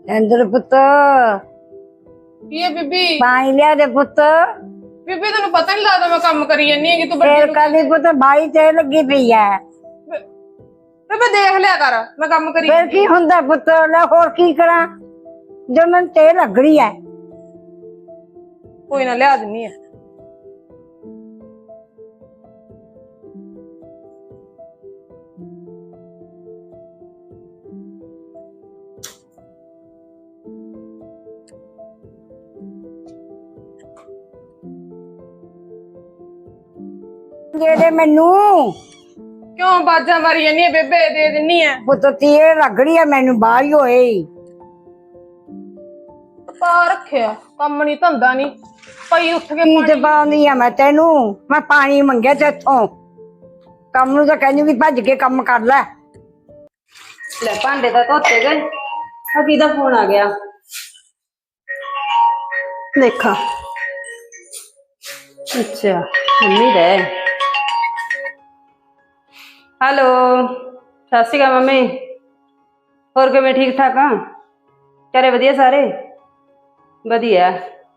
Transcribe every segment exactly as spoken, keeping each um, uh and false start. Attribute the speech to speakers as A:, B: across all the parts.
A: ਇੰਦਰ ਪੁੱਤ
B: ਕੀ ਹੈ ਬੀਬੀ?
A: ਪਾਣੀ ਲਿਆ ਦੇ ਪੁੱਤ।
B: ਬੀਬੀ ਤੈਨੂੰ ਪਤਾ ਨਹੀਂ ਲੱਗਦਾ ਮੈਂ ਕੰਮ ਕਰੀ ਜਾਂਦੀ ਹੈਗੀ, ਤੂੰ
A: ਫੇਰ
B: ਵੱਡੀ
A: ਕਦੀ ਪੁੱਤ ਬਾਈ ਤੇ ਲੱਗੀ ਪਈ ਐ।
B: ਬੀਬੀ ਦੇਖ ਲਿਆ ਕਰ, ਮੈਂ ਕੰਮ ਕਰੀ
A: ਫੇਰ ਕੀ ਹੁੰਦਾ ਪੁੱਤ, ਲੈ ਹੋਰ ਕੀ ਕਰਾਂ ਜੋ ਮੈਨੂੰ ਤੇ ਲੱਗਣੀ ਐ।
B: ਕੋਈ ਨਾ ਲਿਆ ਦਿੰਨੀ ਆ।
A: ਦੇ ਦੇ ਮੈਨੂੰ
B: ਕਿਉਂ ਬਾਜਾਂ ਮਾਰੀ ਜਾਂਦੀ ਹੈ ਬੇਬੇ? ਦੇ ਦਿੰਨੀ ਆ।
A: ਪੁੱਤ ਤੀਏ ਲੱਗਣੀ ਐ ਮੈਨੂੰ, ਬਾਹਰ ਹੋਏ
B: ਪਾ ਰੱਖਿਆ ਕੰਮ ਨਹੀਂ ਧੰਦਾ ਨਹੀਂ ਪਈ ਉੱਠ ਕੇ
A: ਕੀ ਦਬਾਉਂਦੀ ਆ ਮੈਂ ਤੈਨੂੰ? ਮੈਂ ਪਾਣੀ ਮੰਗਿਆ ਤੇਥੋਂ, ਕੰਮ ਨੂੰ ਤਾਂ ਕਹਿੰਦੀ ਵੀ ਭੱਜ ਕੇ ਕੰਮ ਕਰ ਲੈ।
C: ਲੈ ਭਾਂਡੇ ਤਾਂ ਧੋਤੇ ਗਏ। ਆ ਕਿਹਦਾ ਫੋਨ ਆ ਗਿਆ? ਦੇਖਾਂ। ਅੱਛਾ ਮੰਮੀ ਦਾ। ਹੈਲੋ, ਸਤਿ ਸ਼੍ਰੀ ਅਕਾਲ ਮੰਮੀ। ਹੋਰ ਕਿਵੇਂ, ਠੀਕ ਠਾਕ ਆ? ਘਰੇ ਵਧੀਆ ਸਾਰੇ? ਵਧੀਆ।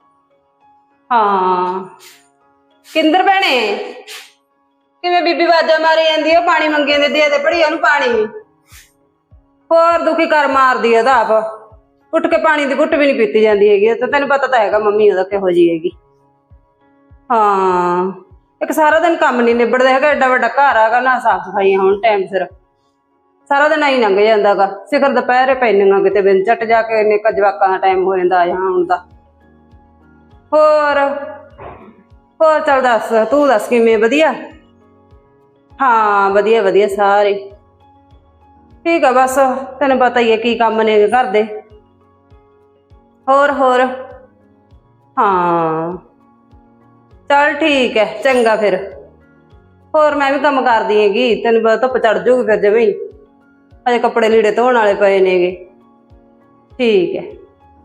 C: ਹਾਂ ਕਿੰਦਰ ਭੈਣੇ, ਕਿਵੇਂ ਬੀਬੀ ਆਵਾਜ਼ਾਂ ਮਾਰੀ ਜਾਂਦੀ ਆ? ਪਾਣੀ ਮੰਗੇ ਦੇ ਦੇ ਦੇ ਭੜੀਆ ਨੂੰ ਪਾਣੀ। ਹੋਰ ਦੁਖੀ ਕਰ ਮਾਰਦੀ ਆ ਤਾਂ ਆਪ, ਉੱਠ ਕੇ ਪਾਣੀ ਦੀ ਘੁੱਟ ਵੀ ਨਹੀਂ ਪੀਤੀ ਜਾਂਦੀ ਹੈਗੀ। ਤਾਂ ਤੈਨੂੰ ਪਤਾ ਤਾਂ ਹੈਗਾ ਮੰਮੀ ਉਹਦਾ ਕਿਹੋ ਜਿਹੀ ਹੈਗੀ। ਹਾਂ ਇੱਕ ਸਾਰਾ ਦਿਨ ਕੰਮ ਨਹੀਂ ਨਿਬੜਦਾ ਹੈਗਾ, ਐਡਾ ਵੱਡਾ ਘਰ ਆਗਾ ਨਾ, ਸਾਫ ਸਫਾਈਆਂ ਹੋਣ ਟਾਈਮ ਸਿਰ, ਸਾਰਾ ਦਿਨ ਆਈ ਲੰਘ ਜਾਂਦਾ ਗਾ। ਸਿਖਰ ਦੁਪਹਿਰੇ ਪੈਂਦੀਆਂ ਕਿਤੇ ਬਿਨ ਝੱਟ ਜਾ ਕੇ ਇੰਨੇ ਜਵਾਕਾਂ ਦਾ ਟਾਈਮ ਹੋ ਜਾਂਦਾ ਆ ਹੁਣ ਦਾ। ਹੋਰ ਹੋਰ ਚੱਲ ਦੱਸ, ਤੂੰ ਦੱਸ ਕਿਵੇਂ? ਵਧੀਆ। ਹਾਂ ਵਧੀਆ ਵਧੀਆ ਸਾਰੇ ਠੀਕ ਆ, ਬਸ ਤੈਨੂੰ ਪਤਾ ਹੀ ਹੈ ਕੀ ਕੰਮ ਨੇ ਘਰ ਦੇ। ਹੋਰ ਹੋਰ ਹਾਂ ਚੱਲ ਠੀਕ ਹੈ, ਚੰਗਾ ਫਿਰ। ਹੋਰ ਮੈਂ ਵੀ ਕੰਮ ਕਰਦੀ ਹੈਗੀ, ਤੈਨੂੰ ਪਤਾ ਧੁੱਪ ਚੜ ਜੂਗੀ ਫਿਰ ਜਿਵੇਂ ਹੀ। ਅਜੇ ਕੱਪੜੇ ਲੀੜੇ ਧੋਣ ਵਾਲੇ ਪਏ ਨੇਗੇ। ਠੀਕ ਹੈ।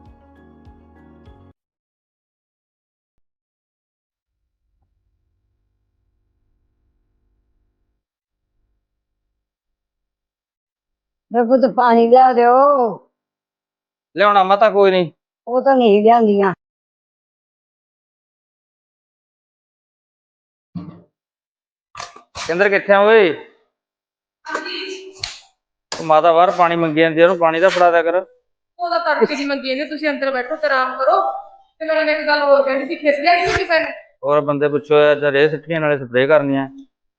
A: ਵੇ ਪੁੱਤ ਪਾਣੀ ਲਿਆ ਦਿਓ।
D: ਲਿਆਉਣਾ ਮਾਤਾ, ਕੋਈ ਨਹੀਂ।
A: ਉਹ ਤਾਂ ਨਹੀਂ ਲਿਆਂਦੀਆਂ।
D: ਕਿੰਦਰ ਕਿੱਥੇ ਆ ਓਏ? ਉਹ ਮਾਤਾ ਬਾਹਰ ਪਾਣੀ ਮੰਗੀ ਜਾਂਦੀ, ਉਹਨੂੰ ਪਾਣੀ ਦਾ ਫੜਾ ਦਿਆ ਕਰ।
B: ਉਹਦਾ ਤੜਕੇ ਦੀ ਮੰਗੀ ਜਾਂਦੀ, ਤੁਸੀਂ ਅੰਦਰ ਬੈਠੋ ਤੇ ਆਰਾਮ ਕਰੋ। ਤੇ ਮੈਂ ਇੱਕ ਗੱਲ ਹੋਰ ਕਹਿੰਦੀ ਸੀ, ਖਿੱਚ ਲਿਆ ਸੀ ਕਿਸੇ ਨੇ?
D: ਹੋਰ ਬੰਦੇ ਪੁੱਛੋ ਰੇ ਸਿੱਟੀਆਂ ਨਾਲੇ ਸਪਰੇਅ ਕਰਨੀਆਂ।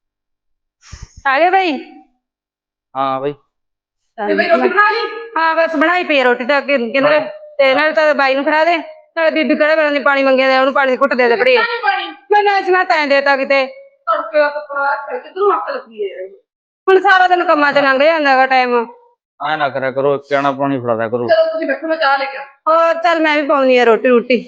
C: ਆ ਗਏ ਬਈ?
D: ਹਾਂ ਬਈ।
B: ਤੇ ਬਈ ਰੋਟੀ ਖਾ ਲਈ?
C: ਹਾਂ ਬਸ ਬਣਾਈ ਪਈ ਰੋਟੀ ਤਾਂ ਅੱਗੇ ਕਿੰਦਰ, ਤੇ ਨਾਲ ਤਾਂ ਬਾਈ ਨੂੰ ਫੜਾ ਦੇ, ਨਾਲੇ ਬੀਬੀ ਕਿਹੜਾ ਵੇਲੇ ਨੀ ਪਾਣੀ ਮੰਗਿਆ ਦੇ, ਉਹਨੂੰ ਪਾਣੀ ਦੀ ਘੁੱਟ ਦੇ ਦੇ ਭੜੀ। ਮੈਂ ਨਾ ਇਸ ਨਾਲ ਤੈਂ ਦੇਤਾ ਕਿਤੇ।
B: ਤੜਕੇ ਦਾ ਕੱਪੜਾ ਰੱਖਿਆ ਕਿੱਧਰੋਂ ਅੱਖ ਲੱਗੀ ਹੈ?
C: ਹੁਣ ਸਾਰਾ ਦਿਨ ਕੰਮਾਂ ਚ ਲੰਘ ਜਾਂਦਾ ਗਾ ਟਾਈਮ।
D: ਐ ਨਾ ਕਰਿਆ ਕਰੋ, ਕਹਿਣਾ ਪਾਣੀ ਫੜਾ ਦਿਆ ਕਰੋ।
B: ਚਲੋ ਤੁਸੀਂ ਬੈਠੋ, ਮੈਂ ਚਾਹ ਲੈ ਕੇ ਆਵਾਂ।
C: ਹੋਰ ਚੱਲ ਮੈਂ ਵੀ ਪਾਉਣੀ ਆ ਰੋਟੀ ਰੋਟੀ।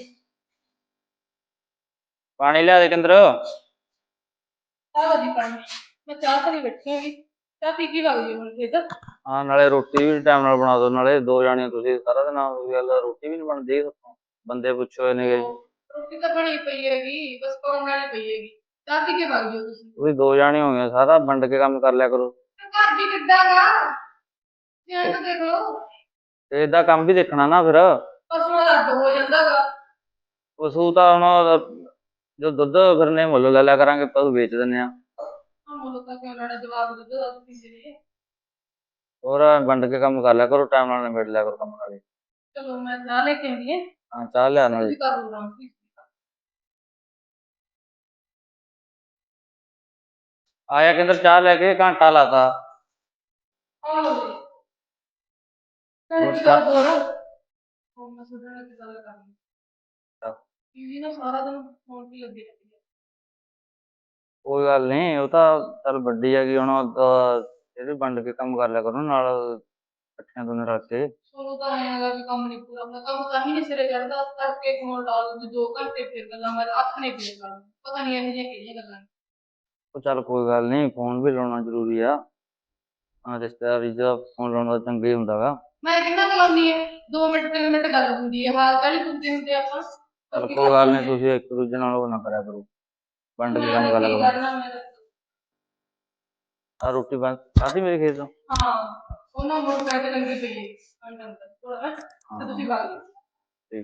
D: ਪਾਣੀ ਲਿਆ ਦੇ ਕਿੰਦਰ।
B: ਚਾਹ ਦੀ ਪਾਣੀ ਮੈਂ ਚਾਹ ਤੇ ਬੈਠੀ ਹੈਗੀ, ਚਾਹ ਪੀ ਕੇ ਵਗ ਜੀ ਹੁਣ ਖੇਤ।
D: ਹਾਂ ਨਾਲੇ ਰੋਟੀ ਵੀ ਟਾਈਮ ਨਾਲ ਬਣਾ ਦੋ, ਨਾਲੇ ਦੋ ਜਾਣੀਆਂ ਤੁਸੀਂ ਸਾਰਾ ਦਿਨ ਗੱਲ, ਰੋਟੀ ਵੀ ਨੀ ਬਣਦੀ। ਬੰਦੇ ਪੁੱਛੋ ਨੇ।
B: ਰੋਟੀ ਤਾਂ ਬਣੀ ਪਈ ਹੈਗੀ, ਬਸ ਪਾਉਣ ਵਾਲੀ ਪਈ ਹੈਗੀ। ਚਾਹ ਪੀ ਕੇ ਵਗ ਜਿਓ ਤੁਸੀਂ।
D: ਤੁਸੀਂ ਦੋ ਜਾਣੇ ਹੋ ਗਏ, ਸਾਰਾ ਵੰਡ ਕੇ ਕੰਮ ਕਰ ਲਿਆ ਕਰੋ।
B: ਘਰ ਵੀ ਕਿੱਦਾਂ ਗਾ ਧਿਆਨ ਨਾਲ ਦੇਖ ਲਓ।
D: ਤੇ ਏਦਾਂ ਕੰਮ ਵੀ ਦੇਖਣਾ ਨਾ ਫਿਰ।
B: ਪਸ਼ੂਆਂ ਦਾ ਅੱਡ ਹੋ ਜਾਂਦਾ ਗਾ।
D: ਪਸ਼ੂ ਤਾਂ ਹੁਣ ਜੋ ਦੁੱਧ ਫਿਰਨੇ ਮੁੱਲ ਲੈ ਲਿਆ ਕਰਾਂਗੇ, ਪਸ਼ੂ ਵੇਚ ਦਿੰਦੇ ਆ।
B: ਮੁੱਲ ਤਾਂ ਕਿਉਂ ਲੈਣਾ, ਜਵਾਬ ਦੁੱਧ ਦਾ ਪੀਂਦੇ ਨੇ।
D: ਹੋਰ ਵੰਡ ਕੇ ਕੰਮ ਕਰ ਲਿਆ ਕਰੋ, ਟਾਈਮ ਨਾਲ ਨਿਬੇੜ ਲਿਆ ਕਰੋ ਕੰਮ ਨਾਲੇ।
B: ਚਲੋ ਮੈਂ ਚਾਹ ਲੈ ਕੇ ਆਉਂਦੀ ਹਾਂ।
D: ਹਾਂ ਚਾਹ ਲਿਆ ਨਾਲੇ।
B: ਤੁਸੀਂ ਕਰ ਲਓ ਆਰਾਮ।
D: ਆਇਆ ਕਿੰਦਰ ਚਾਹ ਲੈ ਕੇ, ਘੰਟਾ ਲਾਤਾ।
B: ਆਹੋ ਜੀ ਘੰਟੀ ਕਰ ਦੋ ਨਾ। ਹੁਣ ਮੈਂ ਤੁਹਾਡੇ ਨਾਲ ਇੱਕ ਗੱਲ ਕਰਨੀ। ਦੀਦੀ ਨਾ ਸਾਰਾ ਦਿਨ ਫੋਨ ਤੇ ਲੱਗੀ ਰਹਿੰਦੀ ਹੈ।
D: ਕੋਈ ਗੱਲ ਨੀ, ਉਹ ਤਾਂ ਚੱਲ ਵੱਡੀ ਹੈਗੀ ਹੁਣ, ਇਹ ਵੀ ਵੰਡ ਕੇ ਕੰਮ ਕਰ ਲਿਆ ਕਰੋ ਨਾਲ, ਇਕੱਠਿਆਂ ਦੋਨੇ ਰਲ ਕੇ।
B: ਚਲੋ ਤਾਂ ਐਂ ਹੈਗਾ ਵੀ ਕੰਮ ਨੀ ਪੂਰਾ ਹੁੰਦਾ, ਕੰਮ ਤਾਂ ਹੀ ਨੀ ਸਿਰੇ ਚੜ੍ਹਦਾ। ਤੜਕੇ ਫੋਨ ਲਾ ਲਓ ਦੋ ਘੰਟੇ ਫਿਰ ਗੱਲਾਂ ਮਾਰ, ਅੱਖ ਨੇ ਫੇਰ ਗੱਲ, ਪਤਾ ਨੀ ਇਹੋ ਜਿਹੀਆਂ ਕਿਹੜੀਆਂ ਗੱਲਾਂ ਨੇ।
D: ਉਹ ਚੱਲ ਕੋਈ ਗੱਲ ਨੀ, ਫੋਨ ਵੀ ਲਾਉਣਾ ਜ਼ਰੂਰੀ ਆ। ਹਾਂ ਰਿਸ਼ਤੇਦਾਰੀ ਚ ਫੋਨ ਲਾਉਣਾ ਤਾਂ ਚੰਗਾ ਹੀ ਹੁੰਦਾ ਗਾ।
B: ਮੈਂ ਕਿੰਨਾ ਕੁ ਲਾਉਂਦੀ ਹੈ, ਦੋ ਮਿੰਟ ਤਿੰਨ ਮਿੰਟ ਗੱਲ ਹੁੰਦੀ ਹੈ, ਹਾਲ ਚਾਲ ਹੀ ਪੁੱਛਦੇ ਹੁੰਦੇ ਆਪਾਂ।
D: ਚੱਲ ਕੋਈ ਗੱਲ ਨੀ, ਤੁਸੀਂ ਇੱਕ ਦੂਜੇ ਨਾਲ ਉਹ ਨਾ ਕਰਿਆ ਕਰੋ, ਵੰਡ ਕੇ ਕੰਮ ਕਰ ਲਿਆ ਕਰੋ। ਆ ਰੋਟੀ ਬਣ ਖਾਧੀ ਮੇਰੇ ਖੇਤ ਤੋਂ?
B: ਹਾਂ ਉਹਨਾਂ ਮੋਟਰ ਸਾਈਕਲ ਤੇ ਲੰਗੀ ਪਈ ਹੈ ਅੰਦਰ ਅੰਦਰ ਥੋੜਾ ਤੇ ਤੁਸੀਂ ਗੱਲ
D: ਠੀਕ।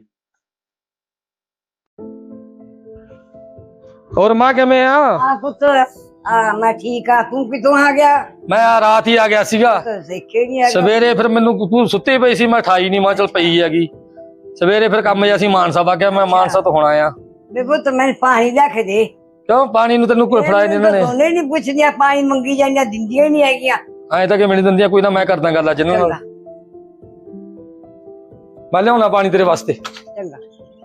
E: ਹੋਰ ਮਾਂ ਕਿਵੇਂ ਆ?
A: ਆ ਪੁੱਤ ਆ ਮੈਂ ਠੀਕ ਆ, ਤੂੰ ਕਿਤੋਂ ਆ ਗਿਆ?
E: ਮੈਂ ਆ ਰਾਤ ਹੀ ਆ ਗਿਆ ਸੀਗਾ।
A: ਤੂੰ ਦੇਖੇ ਨਹੀਂ ਆ
E: ਸਵੇਰੇ ਫਿਰ ਮੈਨੂੰ ਤੂੰ ਸੁੱਤੀ ਪਈ ਸੀ, ਮੈਂ ਠਾਈ ਨਹੀਂ, ਮੈਂ ਚਲ ਪਈ ਹੈਗੀ। ਸਵੇਰੇ ਫਿਰ ਕੰਮ ਜਿਹਾ ਸੀ ਮਾਨਸਾ ਵਗ ਮੈਂ ਮਾਨਸਾ ਤੋਂ ਹੁਣ ਆਇਆ।
A: ਵੇ ਪੁੱਤ ਮੈਨੂੰ ਪਾਣੀ ਲੈ ਕੇ ਦੇ।
E: ਕਿਉਂ ਪਾਣੀ ਨੂੰ ਤੈਨੂੰ ਕੋਈ ਫੜਾਏ ਨਹੀਂ ਇਹਨਾਂ ਨੇ?
A: ਦੋਨੇ ਨਹੀਂ ਪੁੱਛਦੀਆਂ, ਪਾਣੀ ਮੰਗੀ ਜਾਂਦੀਆਂ, ਦਿੰਦੀਆਂ ਹੀ ਨਹੀਂ ਹੈਗੀਆਂ।
E: ਐ ਤਾਂ ਕਿਵੇਂ ਨਹੀਂ ਦਿੰਦੀਆਂ, ਕੋਈ ਨਾ ਮੈਂ ਕਰਦਾ ਗੱਲ ਅੱਜ ਇਹਨਾਂ ਨਾਲ।
A: ਚੰਗਾ
E: ਮੈਂ ਲਿਆਉਣਾ ਪਾਣੀ ਤੇਰੇ ਵਾਸਤੇ।
A: ਚੰਗਾ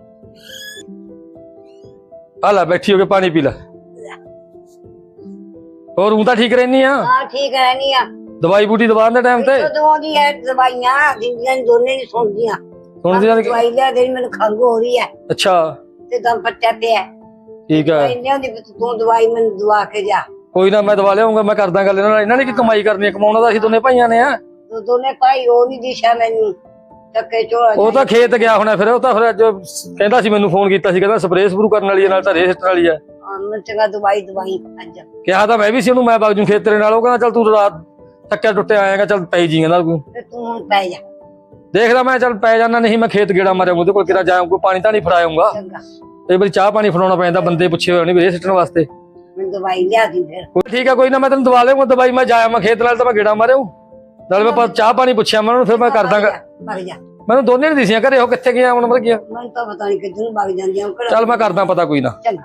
E: ਆ ਲੈ ਬੈਠੀ ਹੋ ਕੇ ਪਾਣੀ ਪੀ ਲੈ। ਹੋਰ ਹੂੰ ਤਾਂ ਠੀਕ ਰਹਿਨੀ ਆ?
A: ਹਾਂ ਠੀਕ ਹੈ ਨਹੀਂ ਆ।
E: ਦਵਾਈ ਬੂਟੀ ਦਵਾ ਦੇ ਟਾਈਮ ਤੇ?
A: ਕਦੋਂ ਦੀ ਹੈ ਦਵਾਈਆਂ ਦਿੰਦੀਆਂ ਨੀ, ਦੋਨੇ ਨਹੀਂ ਸੁਣਦੀਆਂ।
E: ਸੁਣਦੀਆਂ ਨੀ?
A: ਦਵਾਈ ਲੈ ਦੇ, ਮੈਨੂੰ ਖੰਘ ਹੋ ਰਹੀ ਹੈ
E: ਅੱਛਾ
A: ਤੇ ਦਮ ਪੱਟਿਆ ਪਿਆ।
E: ਠੀਕ ਹੈ,
A: ਇੰਨੇ ਦੀ ਤੂੰ ਦਵਾਈ ਮੈਨੂੰ ਦਵਾ ਕੇ ਜਾ।
E: ਕੋਈ ਨਾ ਮੈਂ ਦਵਾ ਲਿਆਉਂਗਾ, ਮੈਂ ਕਰਦਾ ਗੱਲ ਇਹਨਾਂ ਨਾਲ। ਇਹਨਾਂ ਨੇ ਕੀ ਕਮਾਈ ਕਰਨੀ ਹੈ, ਕਮਾਉਣਾ ਤਾਂ ਅਸੀਂ ਦੋਨੇ ਭਾਈਆਂ ਨੇ ਆ।
A: ਤੂੰ ਦੋਨੇ ਭਾਈ ਉਹ ਨਹੀਂ ਦਿਸ਼ਾ ਮੈਨੂੰ ਟੱਕੇ ਝੋਲਾ।
E: ਉਹ ਤਾਂ ਖੇਤ ਗਿਆ ਹੋਣਾ ਫਿਰ, ਉਹ ਤਾਂ ਫਿਰ ਅੱਜ ਕਹਿੰਦਾ ਸੀ, ਮੈਨੂੰ ਫੋਨ ਕੀਤਾ ਸੀ, ਕਹਿੰਦਾ ਸਪਰੇਅ ਸਪਰੂ ਕਰਨ ਵਾਲੀ ਹੈ, ਨਾਲ ਤਾਂ ਰੇਹ ਸਿੱਟਣ ਵਾਲੀ ਹੈ।
A: ਮੈਂ ਚੰਗਾ ਦਵਾਈ ਦਵਾਈ ਅੱਜ।
E: ਕਿਹਾ ਤਾਂ ਮੈਂ ਵੀ ਸੀ ਉਹਨੂੰ, ਮੈਂ ਬਾਗ ਜੂ ਖੇਤ ਤੇਰੇ ਨਾਲ। ਉਹ ਕਹਿੰਦਾ ਚੱਲ ਤੂੰ ਰਾਤ ਥੱਕਿਆ ਟੁੱਟਿਆ ਆਏਗਾ, ਚੱਲ ਪੈ ਜੀ ਕਹਿੰਦਾ ਤੂੰ।
A: ਤੇ ਤੂੰ ਹੁਣ ਪੈ ਜਾ।
E: ਦੇਖਦਾ ਮੈਂ, ਚੱਲ ਪੈ ਜਾਣਾ, ਨਹੀਂ ਮੈਂ ਖੇਤ ਗੇੜਾ ਮਾਰਿਆ ਉਹਦੇ ਕੋਲ, ਕਿਰਾ ਜਾਇਆ ਕੋਈ ਪਾਣੀ ਤਾਂ ਨਹੀਂ ਫੜਾਉਂਗਾ।
A: ਚੰਗਾ
E: ਤੇ ਬੜੀ ਚਾਹ ਪਾਣੀ ਫੜਾਉਣਾ ਪੈਂਦਾ, ਬੰਦੇ ਪੁੱਛੇ ਹੋਏ ਨਹੀਂ ਰੇਹ ਸਿੱਟਣ ਵਾਸਤੇ।
A: ਮੈਂ ਦਵਾਈ ਲਿਆ ਦੀ ਫਿਰ।
E: ਕੋਈ ਠੀਕ ਹੈ, ਕੋਈ ਨਾ ਮੈਂ ਤੈਨੂੰ ਦਵਾ ਲਿਆਉਂਗਾ ਦਵਾਈ। ਮੈਂ ਜਾਇਆ ਮੈਂ ਖੇਤ ਨਾਲ, ਤਾਂ ਮੈਂ ਗੇੜਾ ਮਾਰਿਆ ਨਾਲ, ਮੈਂ ਚਾਹ ਪਾਣੀ ਪੁੱਛਿਆ ਮੈਂ ਉਹਨੂੰ, ਫਿਰ ਮੈਂ ਕਰਦਾਗਾ।
A: ਭਗ ਜਾ।
E: ਮੈਨੂੰ ਦੋਨੇ ਨਹੀਂ ਦਿਸੀਆਂ ਘਰੇ, ਉਹ ਕਿੱਥੇ ਗਿਆ ਹੁਣ, ਮਤਲਬ ਗਿਆ।
A: ਮੈਨੂੰ ਤਾਂ ਪਤਾ ਨਹੀਂ ਕਿੱਧਰ ਨੂੰ ਭਗ ਜਾਂਦੀਆਂ ਉਹ ਕਿਹੜਾ।
E: ਚੱਲ ਮੈਂ ਕਰਦਾ ਪਤਾ, ਕੋਈ ਨਾ।
A: ਚੰਗਾ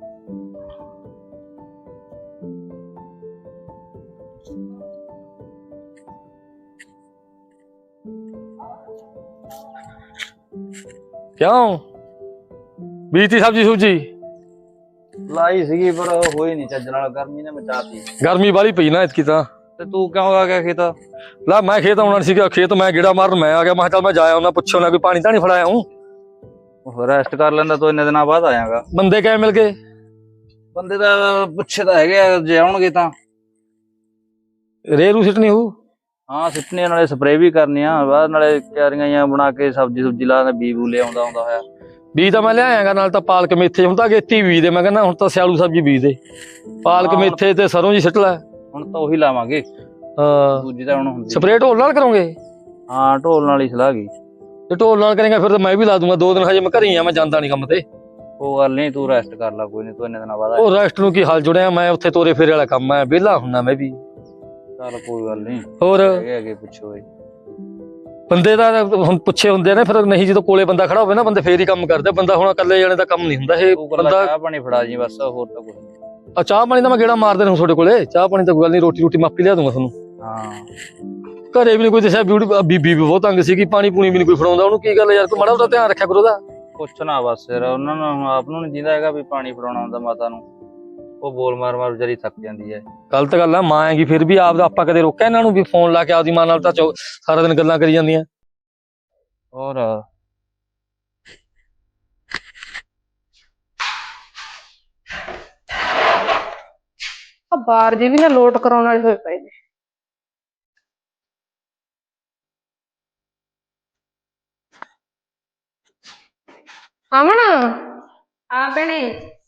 E: ਕਿਉਂ ਬੀਤੀ ਸਬਜੀ ਸੂਜੀ
D: ਲਾਈ ਸੀਗੀ ਪਰ ਹੋਈ ਨਹੀਂ ਚੱਜ ਨਾਲ, ਗਰਮੀ ਨੇ ਮਚਾਤੀ।
E: ਗਰਮੀ ਵਾਲੀ ਪਈ ਨਾ ਇਤਕੀ ਤਾਂ।
D: ਤੇ ਤੂੰ ਕਿਉਂ ਆ ਗਿਆ ਖੇਤ?
E: ਲਾ ਮੈਂ ਖੇਤ ਆਉਣਾ ਸੀਗਾ, ਖੇਤ ਮੈਂ ਗੇੜਾ ਮਾਰਨ ਮੈਂ ਆ ਗਿਆ। ਮੈਂ ਕਿਹਾ ਚੱਲ ਮੈਂ ਜਾਇਆ ਉਹਨਾਂ, ਪੁੱਛਿਆ ਉਹਨਾਂ ਕੋਈ ਪਾਣੀ ਤਾਂ ਨਹੀਂ ਫੜਾਇਆ ਹੂੰ।
D: ਰੈਸਟ ਕਰ ਲੈਂਦਾ ਤੂੰ, ਇੰਨੇ ਦਿਨਾਂ ਬਾਅਦ ਆਇਆਗਾ।
E: ਬੰਦੇ ਕਿਵੇਂ ਮਿਲ ਗਏ?
D: ਬੰਦੇ ਤਾਂ ਪੁੱਛੇ ਤਾਂ ਹੈਗੇ ਆ, ਜੇ ਆਉਣਗੇ ਤਾਂ।
E: ਰੇਹ ਰੂ ਸਿੱਟਣੀ ਹੂ?
D: ਹਾਂ ਸਿੱਟਣੇ, ਨਾਲੇ ਸਪਰੇਅ ਵੀ ਕਰਨੀ ਆ, ਬਾਅਦ ਨਾਲੇ ਕਿਆਰੀਆਂ ਜਾਂ ਬਣਾ ਕੇ ਸਬਜ਼ੀ ਸੁਬਜੀ ਲਾ ਬੀ ਬੂ ਲੈ ਆਉਂਦਾ ਆਉਂਦਾ ਹੋਇਆ।
E: ਬੀਜ ਤਾਂ ਮੈਂ ਲਿਆਇਆਗਾ, ਨਾਲ ਤਾਂ ਪਾਲਕ ਮੇਥੇ ਹੁਣ ਤਾਂ ਅਗੇਤੀ ਬੀਜ ਦੇ। ਮੈਂ ਕਹਿੰਦਾ ਹੁਣ ਤਾਂ ਸਿਆਲੂ ਸਬਜ਼ੀ ਬੀਜ ਦੇ, ਪਾਲਕ ਮੇਥੇ ਤੇ ਸਰੋਂ ਜੀ ਸਿੱਟ ਲੈ।
D: ਹੁਣ ਤਾਂ ਉਹੀ ਲਾਵਾਂਗੇ,
E: ਹਾਂ
D: ਦੂਜੀ ਤਾਂ ਹੁਣ ਹੁੰਦੀ।
E: ਸਪਰੇਅ ਢੋਲ ਨਾਲ ਕਰੋਗੇ?
D: ਹਾਂ ਢੋਲ ਨਾਲ ਹੀ ਸਲਾਹ ਗਈ।
E: ਤੇ ਢੋਲ ਨਾਲ ਕਰੇਗਾ ਫਿਰ ਤਾਂ ਮੈਂ ਵੀ ਲਾ ਦੂੰਗਾ। ਦੋ ਦਿਨ ਹਜੇ ਮੈਂ ਘਰੇ ਹੀ ਆ, ਮੈਂ ਜਾਂਦਾ ਨਹੀਂ ਕੰਮ ਤੇ।
D: ਉਹ ਗੱਲ ਨਹੀਂ, ਤੂੰ ਰੈਸਟ ਕਰ ਲੈ, ਕੋਈ ਨਹੀਂ, ਤੂੰ ਇੰਨੇ ਦਿਨਾਂ ਬਾਅਦ
E: ਉਹ ਰੈਸਟ ਨੂੰ ਕੀ ਹਾਲ ਜੁੜਿਆ, ਮੈਂ ਉੱਥੇ ਤੋਰੇ ਫੇਰੇ ਵਾਲਾ ਕੰਮ ਆ, ਵਿਹਲਾ ਹੁੰਨਾ ਮੈਂ ਵੀ।
D: ਚੱਲ ਕੋਈ ਗੱਲ ਨਹੀਂ,
E: ਹੋਰ
D: ਹੈਗੇ ਅੱਗੇ ਪੁੱਛੋ।
E: ਬੰਦੇ ਦਾ ਹੁਣ ਪੁੱਛੇ ਹੁੰਦੇ ਨੇ ਫਿਰ, ਨਹੀਂ ਜਦੋਂ ਕੋਲੇ ਬੰਦਾ ਖੜਾ ਹੋਵੇ ਨਾ, ਬੰਦੇ ਫੇਰ ਹੀ ਕੰਮ ਕਰਦੇ। ਬੰਦਾ ਹੁਣ ਇਕੱਲੇ ਜਾਣੇ ਦਾ ਕੰਮ ਨਹੀਂ ਹੁੰਦਾ ਇਹ। ਬੰਦਾ
D: ਚਾਹ ਪਾਣੀ ਫੜਾ ਜੀ ਬਸ, ਹੋਰ ਤਾਂ ਕੁਝ ਨਹੀਂ।
E: ਆ ਚਾਹ ਪਾਣੀ ਤਾਂ ਮੈਂ ਗੇੜਾ ਮਾਰਦੇ ਰਹੂੰ ਤੁਹਾਡੇ ਕੋਲੇ। ਚਾਹ ਪਾਣੀ ਤਾਂ ਕੋਈ ਗੱਲ ਨਹੀਂ, ਰੋਟੀ ਰੋਟੀ ਮਾਪੀ ਲਿਆ ਦੂੰਗਾ ਤੁਹਾਨੂੰ।
D: ਹਾਂ
E: ਘਰੇ ਵੀ ਨਹੀਂ ਕੋਈ ਦੱਸਿਆ, ਬਿਊਟੀ ਬੀਬੀ ਵੀ ਬਹੁਤ ਤੰਗ ਸੀਗੀ, ਪਾਣੀ ਪੂਣੀ ਵੀ ਨਹੀਂ ਕੋਈ ਫੜਾਉਂਦਾ ਉਹਨੂੰ। ਕੀ ਗੱਲ ਯਾਰ, ਕੋਈ ਮਾੜਾ ਉਹਦਾ ਧਿਆਨ ਰੱਖਿਆ ਕਰੋ ਉਹਦਾ।
D: ਕੁਛ ਨਾ ਬਸ ਫਿਰ ਉਹਨਾਂ ਨੂੰ ਆਪ ਨੂੰ ਨੀ ਜਿੰਦਾ ਹੈਗਾ ਵੀ ਪਾਣੀ ਫੜਾਉਣਾ ਹੁੰਦਾ ਮਾਤਾ ਨੂੰ। ਉਹ ਬੋਲ ਮਾਰ ਮਾਰ ਵਿਚਾਰੀ ਥੱਕ ਜਾਂਦੀ ਹੈ।
E: ਗਲਤ ਗੱਲ ਆ, ਮਾਂ ਆਏਗੀ ਫਿਰ ਵੀ। ਆਪ ਆਪਾਂ ਕਦੇ ਰੋਕਿਆ ਇਹਨਾਂ ਨੂੰ ਵੀ ਫੋਨ ਲਾ ਕੇ ਆਪਦੀ ਮਾਂ ਨਾਲ ਤਾਂ ਸਾਰਾ ਦਿਨ ਗੱਲਾਂ ਕਰੀ ਜਾਂਦੀਆਂ।
D: ਹੋਰ
B: ਆ ਬਾਹਰ ਜੇ ਵੀ ਨਾ ਲੋਟ ਕਰਾਉਣ ਵਾਲੇ ਹੋਏ ਪਏ ਨੇ। ਆਮਣ
C: ਹਾਂ ਭੈਣੇ,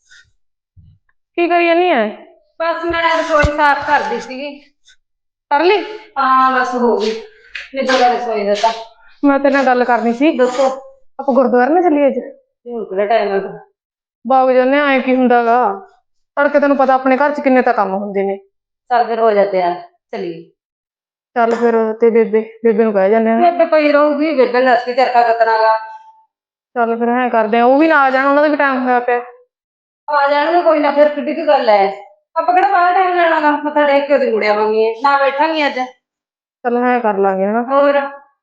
B: ਕੀ ਕਰੀ ਜਾਨੀ ਐ?
C: ਬਸ ਮੈਂ ਰਸੋਈ ਸਾਫ਼ ਕਰਦੀ ਸੀਗੀ।
B: ਕਰ ਲਈ?
C: ਹਾਂ ਬਸ ਹੋ ਗਈ ਨਿੱਜਾ ਦਾ ਰਸੋਈ ਦਾ ਤਾਂ।
B: ਮੈਂ ਤੇਰੇ ਨਾਲ ਗੱਲ ਕਰਨੀ ਸੀ।
C: ਦੱਸੋ।
B: ਆਪਾਂ ਗੁਰਦੁਆਰੇ ਨਾ ਚੱਲੀਏ ਅੱਜ?
C: ਹੁਣ ਕਿਹੜਾ ਟਾਈਮ ਹੈ?
B: ਬਾਗ ਜਾਂਦੇ ਐ ਕੀ ਹੁੰਦਾਗਾ, ਤੜਕੇ ਤੈਨੂੰ ਪਤਾ ਆਪਣੇ ਘਰ ਚ ਕਿੰਨੇ ਤਾਂ ਕੰਮ ਹੁੰਦੇ ਨੇ।
C: ਚੱਲ ਫਿਰ ਹੋ ਜਾ ਤਿਆਰ, ਚਲੀਏ।
B: ਚੱਲ ਫਿਰ ਤੇ ਬੇਬੇ ਬੇਬੇ ਨੂੰ ਕਹਿ ਜਾਂਦੇ ਆ।
C: ਬੇਬੇ ਪਈ ਰਹੂਗੀ, ਬੇਬੇ ਨੇ ਅਸੀਂ ਚਰਖਾ ਕੱਤਣਾਗਾ।
B: ਚੱਲ ਫਿਰ ਐਂ ਕਰਦੇ ਆ, ਉਹ ਵੀ ਨਾ ਆ ਜਾਣ, ਉਹਨਾਂ ਦਾ ਵੀ ਟਾਈਮ ਹੋਇਆ ਪਿਆ।
C: ਆ ਜਾਣਗੇ ਕੋਈ ਨਾ, ਫਿਰ ਕਿੱਡੀ ਕੀ ਗੱਲ ਹੈ। ਆਪਾਂ ਕਿਹੜਾ ਬਾਹਰ ਟਾਈਮ ਲੈਣਾਗਾ, ਮੱਥਾ ਟੇਕ ਕੇ ਉਹਦੀ ਮੁੜ ਆਵਾਂਗੇ, ਨਾ ਬੈਠਾਂਗੇ ਅੱਜ।
B: ਚੱਲ ਐਂ ਕਰ ਲਾਂਗੇ ਹਨਾ।
C: ਹੋਰ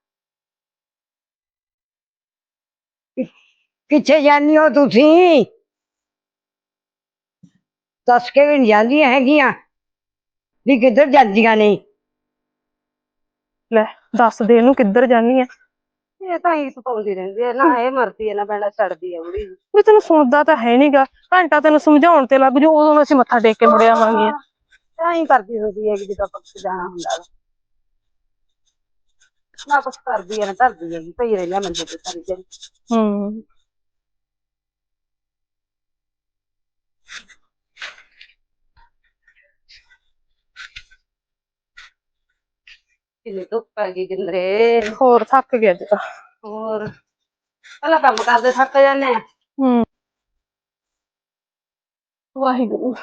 A: ਕਿੱਥੇ ਜਾਂਦੀ ਹੋ ਤੁਸੀਂ? ਦੱਸ ਕੇ ਵੀ ਨਹੀਂ ਜਾਂਦੀਆਂ ਹੈਗੀਆਂ ਵੀ ਕਿੱਧਰ ਜਾਂਦੀਆਂ ਨੇ।
B: ਲੈ ਦੱਸ ਦੇ ਇਹਨੂੰ ਕਿੱਧਰ ਜਾਨੀ ਆ।
C: ਇਹ ਤਾਂ ਹੀ ਪਾਉਂਦੀ ਰਹਿੰਦੀ ਹੈ ਨਾ, ਇਹ ਮਰਦੀ ਹੈ ਨਾ ਬੈਣਾ ਛੱਡਦੀ ਹੈ ਬੁੜੀ।
B: ਵੀ ਤੈਨੂੰ ਸੁਣਦਾ ਤਾਂ ਹੈ ਨੀਗਾ, ਘੰਟਾ ਤੈਨੂੰ ਸਮਝਾਉਣ ਤੇ ਲੱਗ ਜੂ, ਉਦੋਂ ਅਸੀਂ ਮੱਥਾ ਟੇਕ ਕੇ ਮੁੜ ਆਵਾਂਗੇ।
C: ਤਾਂ ਹੀ ਕਰਦੀ ਹੁੰਦੀ ਹੈ ਕਿ ਜਦੋਂ ਆਪਾਂ ਜਾਣਾ ਹੁੰਦਾ ਨਾ ਕੁਛ ਕਰਦੀ ਹੈ ਨਾ ਧਰਦੀ ਹੈਗੀ, ਪਈ ਰਹਿੰਦਾ ਮੰਜੇ ਤੇ ਸਾਰੀ ਦਿਨ।
B: ਹੂੰ
C: ਕਿੰਨੀ ਧੁੱਪ ਆ ਗਈ ਕਿੰਦਰੇ।
B: ਹੋਰ ਥੱਕ ਗਿਆ ਅੱਜ ਤਾਂ।
C: ਹੋਰ ਪਹਿਲਾਂ ਕੰਮ ਕਰਦੇ ਥੱਕ ਜਾਂਦੇ ਆ।
B: ਹੂੰ ਵਾਹਿਗੁਰੂ।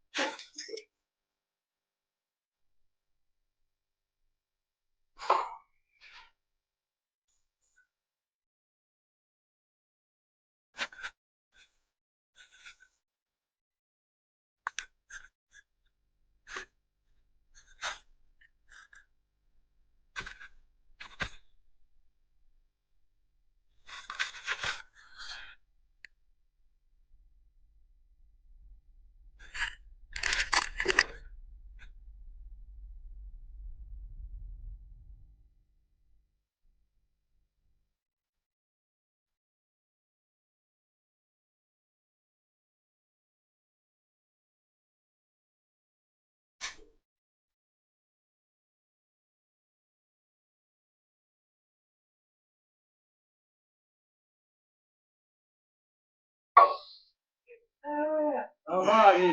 E: ਆ ਗਈ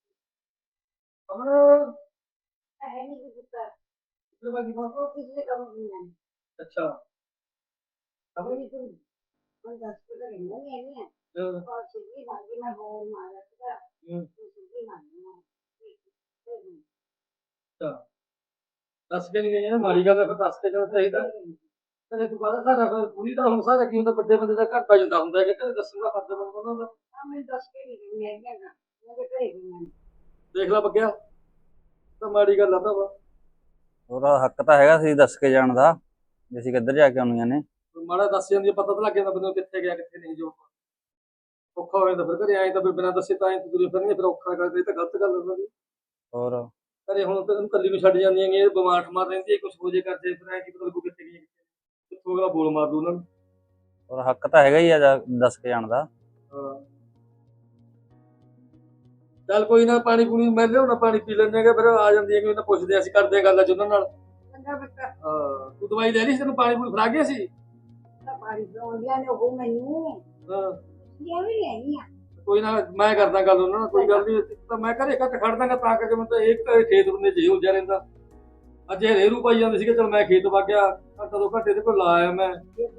E: ਅੱਛਾ ਦੱਸ ਕੇ ਨਹੀਂ ਗਈ ਨਾ ਮਾੜੀ ਗੱਲ ਫਿਰ ਦੱਸ ਕੇ ਜਾਣਾ ਚਾਹੀਦਾ। ਤੇ ਤੂੰ ਪਤਾ ਸਾਡਾ ਫਿਰ ਪੂਰੀ ਤਾਂ ਹੁਣ ਸਾਰਾ ਕੀ ਹੁੰਦਾ ਵੱਡੇ ਬੰਦੇ ਦਾ ਘਰ ਪੈ ਜਾਂਦਾ ਹੁੰਦਾ ਹੈ ਕਿ ਦੱਸੂਗਾ ਫਰਜ਼ ਬਣਦਾ ਉਹਨਾਂ ਦਾ। ਦੇਖ ਲੈ ਬੱਗਿਆ ਤਾਂ ਮਾੜੀ ਗੱਲ ਆ ਭਰਾਵਾ।
D: ਉਹਦਾ ਹੱਕ ਤਾਂ ਹੈਗਾ ਸੀ ਦੱਸ ਕੇ ਜਾਣ ਦਾ ਵੀ ਅਸੀਂ ਕਿੱਧਰ ਜਾ ਕੇ ਆਉਣੀਆਂ ਨੇ।
E: ਮਾੜਾ ਦੱਸ ਜਾਂਦੀ ਪਤਾ ਤਾਂ ਲੱਗ ਜਾਂਦਾ ਬੰਦੇ ਨੂੰ ਕਿੱਥੇ ਗਿਆ ਕਿੱਥੇ ਨਹੀਂ। ਜੋ ਔਖਾ ਹੋ ਜਾਂਦਾ ਫਿਰ ਘਰੇ ਆਏ ਤਾਂ ਫਿਰ ਬਿਨਾਂ ਦੱਸੇ ਤਾਂ ਐਂ ਤੁਰੀ ਫਿਰਨੀ ਫਿਰ ਔਖਾ ਕਰਦੇ ਤਾਂ ਗਲਤ ਗੱਲ ਉਹਨਾਂ ਦੀ।
D: ਹੋਰ
E: ਘਰੇ ਹੁਣ ਤੈਨੂੰ ਕੱਲੀ ਨੂੰ ਛੱਡ ਜਾਂਦੀਆਂ ਨੇ ਬਿਮਾਰ ਠਮਾਰ ਰਹਿੰਦੀ ਹੈ ਕੁਛ ਹੋ ਜੇ ਕਰਦੇ ਫਿਰ ਐਂ ਕੀ ਪਤਾ ਲੱਗੂ ਕਿੱਥੇ ਗਈ ਕਿੱਥੋਂ ਅਗਲਾ ਬੋਲ ਮਾਰ ਦੂ ਉਹਨਾਂ ਨੂੰ।
D: ਔਰ ਹੱਕ ਤਾਂ ਹੈਗਾ ਹੀ ਆ ਜਾ- ਦੱਸ ਕੇ ਜਾਣ ਦਾ।
E: ਹਾਂ ਚੱਲ ਕੋਈ ਨਾ ਪਾਣੀ ਪੂਣੀ ਮੈਂ ਲਿਆਉਣਾ ਪਾਣੀ ਪੀ ਲੈਂਦੇ ਹੈਗੇ ਫਿਰ ਆ ਜਾਂਦੀਆਂ ਕਿ ਉਹਨਾਂ ਪੁੱਛਦੇ ਅਸੀਂ ਕਰਦੇ ਗੱਲ ਅੱਜ ਉਹਨਾਂ ਨਾਲ। ਹਾਂ ਤੂੰ ਦਵਾਈ ਲੈ ਲਈ ਸੀ ਤੈਨੂੰ ਪਾਣੀ ਪੂਣੀ ਫੜਾ ਗਿਆ ਸੀ। ਹਾਂ ਕੋਈ ਨਾ ਮੈਂ ਕਰਦਾ ਗੱਲ ਉਹਨਾਂ ਨਾਲ ਕੋਈ ਗੱਲ ਨਹੀਂ ਤਾਂ ਮੈਂ ਘਰੇ ਘੱਟ ਖੜ ਦਾਂਗਾ ਤਾਂ ਕਰਕੇ ਮੈਂ ਤਾਂ ਇੱਕ ਖੇਤ ਬੰਦੇ ਜੇ ਉਲਝਿਆ ਰਹਿੰਦਾ। ਅੱਜ ਇਹ ਰੇਰੂ ਪਾਈ ਜਾਂਦੇ ਸੀਗੇ ਚਲ ਮੈਂ ਖੇਤ ਵਗ ਗਿਆ ਘੰਟਾ ਦੋ ਘੰਟੇ ਦੇ ਕੋਲ ਲਾ ਆਇਆ ਮੈਂ।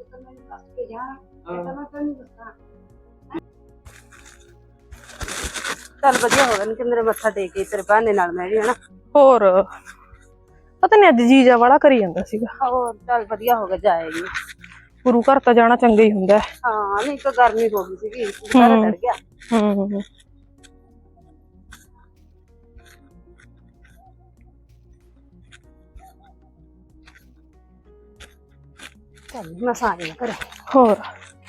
C: ਚੱਲ ਵਧੀਆ ਹੋ ਗਿਆ ਨੀ ਕਿੰਦਰੇ ਮੱਥਾ ਟੇਕ ਕੇ ਤੇਰੇ ਬਹਾਨੇ ਨਾਲ ਮੈਂ ਵੀ ਹਨਾ।
B: ਹੋਰ ਪਤਾ ਨਹੀਂ ਅੱਜ ਜੀਜਾ ਵਾਲਾ ਕਰੀ ਜਾਂਦਾ ਸੀਗਾ।
C: ਹੋਰ ਚੱਲ ਵਧੀਆ ਹੋ ਗਿਆ ਜਾਏਗੀ।
B: ਗੁਰੂ ਘਰ ਤਾਂ ਜਾਣਾ ਚੰਗਾ ਹੀ ਹੁੰਦਾ ਹੈ।
C: ਹਾਂ ਨਹੀਂ ਤਾਂ ਗਰਮੀ ਹੋ ਗਈ ਸੀਗੀ ਸਾਰਾ ਚੜ ਗਿਆ।
B: ਹੂੰ
C: ਚੱਲ ਮੈਂ ਸਾਰੀ ਘਰੇ।
B: ਹੋਰ